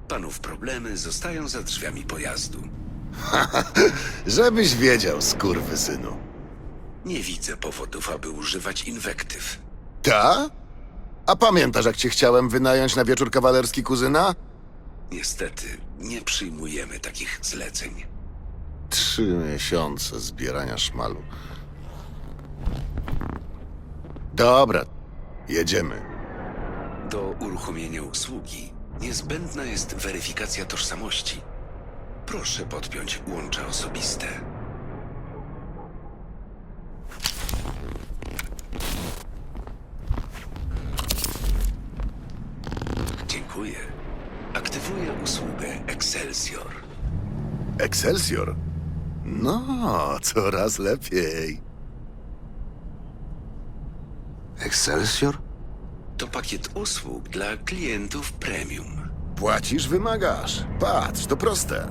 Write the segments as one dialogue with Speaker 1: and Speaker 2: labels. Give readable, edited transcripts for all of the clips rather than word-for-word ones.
Speaker 1: Panów problemy zostają za drzwiami pojazdu.
Speaker 2: Żebyś wiedział, skurwysynu.
Speaker 1: Nie widzę powodów, aby używać inwektyw.
Speaker 2: Ta? A pamiętasz, jak cię chciałem wynająć na wieczór kawalerski, kuzyna?
Speaker 1: Niestety, nie przyjmujemy takich zleceń.
Speaker 2: 3 miesiące zbierania szmalu. Dobra, jedziemy.
Speaker 1: Do uruchomienia usługi niezbędna jest weryfikacja tożsamości. Proszę podpiąć łącza osobiste. Dziękuję. Aktywuję usługę Excelsior.
Speaker 2: Excelsior? No, coraz lepiej.
Speaker 3: Excelsior?
Speaker 1: To pakiet usług dla klientów premium.
Speaker 2: Płacisz, wymagasz. Patrz, to proste.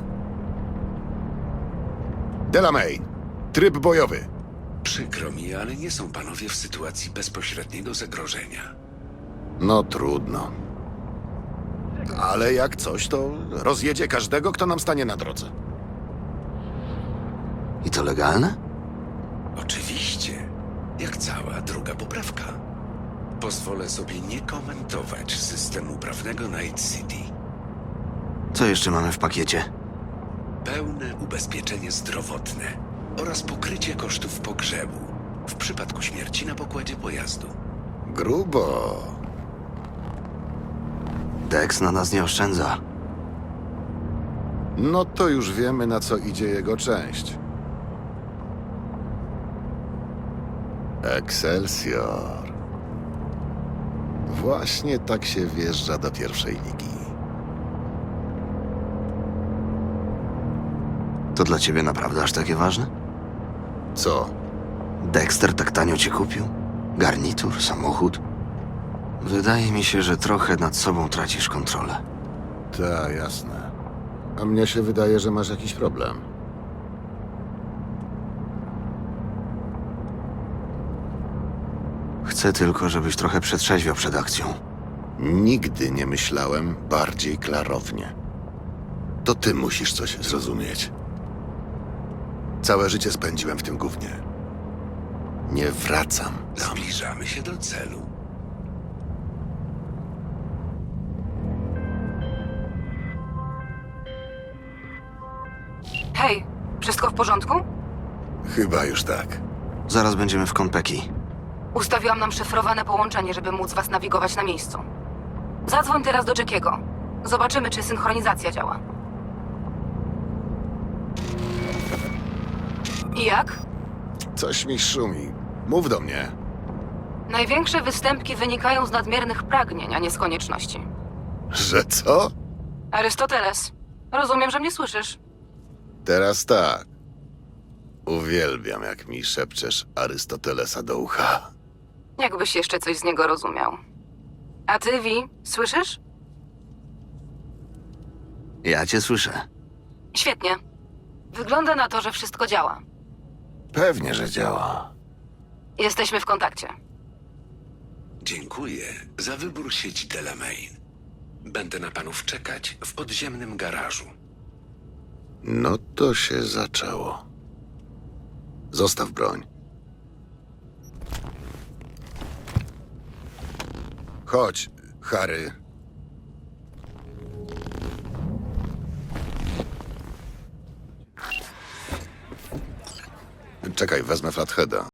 Speaker 2: Delamain, tryb bojowy.
Speaker 1: Przykro mi, ale nie są panowie w sytuacji bezpośredniego zagrożenia.
Speaker 2: No trudno. Ale jak coś, to rozjedzie każdego, kto nam stanie na drodze.
Speaker 3: I to legalne?
Speaker 1: Oczywiście, jak cała druga poprawka. Pozwolę sobie nie komentować systemu prawnego Night City.
Speaker 3: Co jeszcze mamy w pakiecie?
Speaker 1: Pełne ubezpieczenie zdrowotne oraz pokrycie kosztów pogrzebu w przypadku śmierci na pokładzie pojazdu.
Speaker 2: Grubo.
Speaker 3: Dex na nas nie oszczędza.
Speaker 2: No to już wiemy, na co idzie jego część. Excelsior. Właśnie tak się wjeżdża do pierwszej ligi.
Speaker 3: To dla ciebie naprawdę aż takie ważne?
Speaker 2: Co?
Speaker 3: Dexter tak tanio cię kupił? Garnitur, samochód? Wydaje mi się, że trochę nad sobą tracisz kontrolę.
Speaker 2: Ta, jasne. A mnie się wydaje, że masz jakiś problem.
Speaker 3: Chcę tylko, żebyś trochę przetrzeźwiał przed akcją.
Speaker 2: Nigdy nie myślałem bardziej klarownie. To ty musisz coś zrozumieć. Całe życie spędziłem w tym gównie. Nie wracam tam.
Speaker 1: Zbliżamy się do celu.
Speaker 4: Hej, wszystko w porządku?
Speaker 2: Chyba już tak.
Speaker 3: Zaraz będziemy w Konpeki.
Speaker 4: Ustawiłam nam szyfrowane połączenie, żeby móc was nawigować na miejscu. Zadzwoń teraz do Jackiego. Zobaczymy, czy synchronizacja działa. I jak?
Speaker 2: Coś mi szumi. Mów do mnie.
Speaker 4: Największe występki wynikają z nadmiernych pragnień, a nie z konieczności.
Speaker 2: Że co?
Speaker 4: Arystoteles, rozumiem, że mnie słyszysz.
Speaker 2: Teraz tak. Uwielbiam, jak mi szepczesz Arystotelesa do ucha.
Speaker 4: Jakbyś jeszcze coś z niego rozumiał. A ty, Vi, słyszysz?
Speaker 3: Ja cię słyszę.
Speaker 4: Świetnie. Wygląda na to, że wszystko działa.
Speaker 2: Pewnie, że działa.
Speaker 4: Jesteśmy w kontakcie.
Speaker 1: Dziękuję za wybór sieci Delamain. Będę na panów czekać w podziemnym garażu.
Speaker 2: No to się zaczęło. Zostaw broń. Chodź, Harry. Czekaj, wezmę Flatheada.